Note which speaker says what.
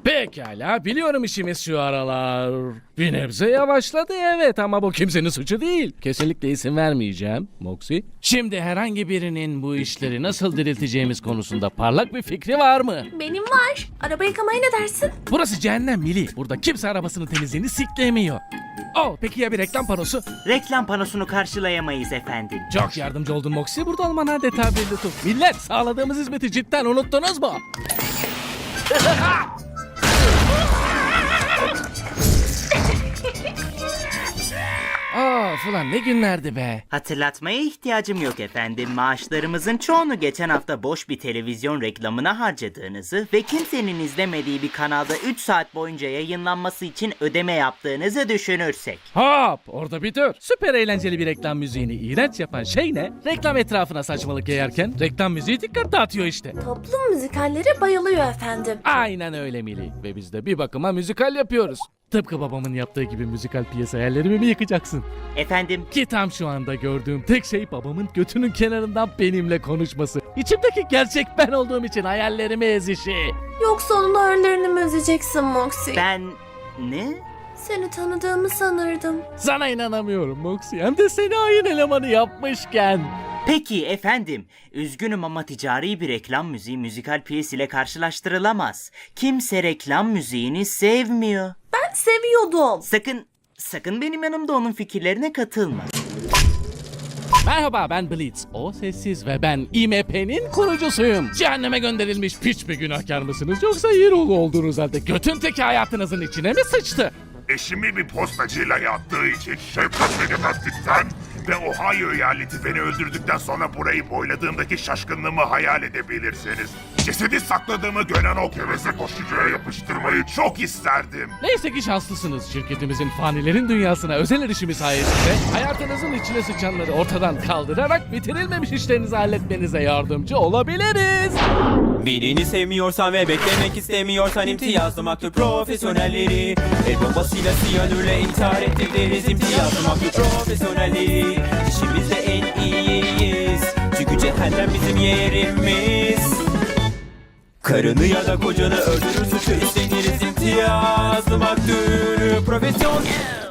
Speaker 1: Pekala, biliyorum işimiz şu aralar bir nebze yavaşladı, evet, ama bu kimsenin suçu değil. Kesinlikle izin vermeyeceğim Moxie. Şimdi herhangi birinin bu işleri nasıl dirilteceğimiz konusunda parlak bir fikri var mı?
Speaker 2: Benim var. Araba yıkamaya ne dersin?
Speaker 1: Burası cehennem Mili. Burada kimse arabasının temizliğini sikleyemiyor. Oh, peki ya bir reklam panosu?
Speaker 3: Reklam panosunu karşılayamayız efendim.
Speaker 1: Çok yardımcı oldun Moxie. Burada olman adeta bir lütuf. Millet, sağladığımız hizmeti cidden unuttunuz mu? Of ulan, ne günlerdi be.
Speaker 3: Hatırlatmaya ihtiyacım yok efendim. Maaşlarımızın çoğunu geçen hafta boş bir televizyon reklamına harcadığınızı ve kimsenin izlemediği bir kanalda 3 saat boyunca yayınlanması için ödeme yaptığınızı düşünürsek.
Speaker 1: Hop, orada bir dur. Süper eğlenceli bir reklam müziğini iğrenç yapan şey ne? Reklam etrafına saçmalık yayarken reklam müziği dikkat dağıtıyor işte.
Speaker 2: Toplum müzikallere bayılıyor efendim.
Speaker 1: Aynen öyle Mili. Ve biz de bir bakıma müzikal yapıyoruz. Tıpkı babamın yaptığı gibi müzikal piyasa hayallerimi mi yıkacaksın?
Speaker 3: Efendim,
Speaker 1: Ki tam şu anda gördüğüm tek şey babamın götünün kenarından benimle konuşması. İçimdeki gerçek ben olduğum için hayallerimi ezişi.
Speaker 2: Yoksa onun hayallerini mi üzeceksin Moxie?
Speaker 3: ben... Ne?
Speaker 2: Seni tanıdığımı sanırdım.
Speaker 1: Sana inanamıyorum Moxie. Hem de seni ayın elemanı yapmışken.
Speaker 3: Peki efendim, üzgünüm ama ticari bir reklam müziği müzikal piyes ile karşılaştırılamaz. Kimse reklam müziğini sevmiyor.
Speaker 2: Ben seviyordum.
Speaker 3: Sakın benim yanımda onun fikirlerine katılma.
Speaker 1: Merhaba, ben Blitz. O sessiz ve ben IMP'nin kurucusuyum. Cehenneme gönderilmiş piç bir günahkar mısınız, yoksa Yirolu olduğunuz halde götün teki hayatınızın içine mi sıçtı?
Speaker 4: Eşimi bir postacıyla yattığı için şefkat edemezlikten ve Ohio eyaleti beni öldürdükten sonra burayı boyladığımdaki şaşkınlığımı hayal edebilirsiniz. Cesedi sakladığımı gören o geveze koşucuya yapıştırmayı çok isterdim.
Speaker 1: Neyse ki şanslısınız. Şirketimizin fanilerin dünyasına özel erişimi sayesinde hayatınızın içine sıçanları ortadan kaldırarak bitirilmemiş işlerinizi halletmenize yardımcı olabiliriz.
Speaker 5: Birini sevmiyorsan ve beklemek istemiyorsan imtiyazlı maktub profesyonelleri. El bombasıyla siyanürle intihar ettiririz imtiyazlı maktub profesyonelleri. İşimizde en iyiyiz çünkü cehennem bizim yerimiz. Karını ya da kocanı öldürür suçu üstleniriz imtiyazlı maktub profesyonel.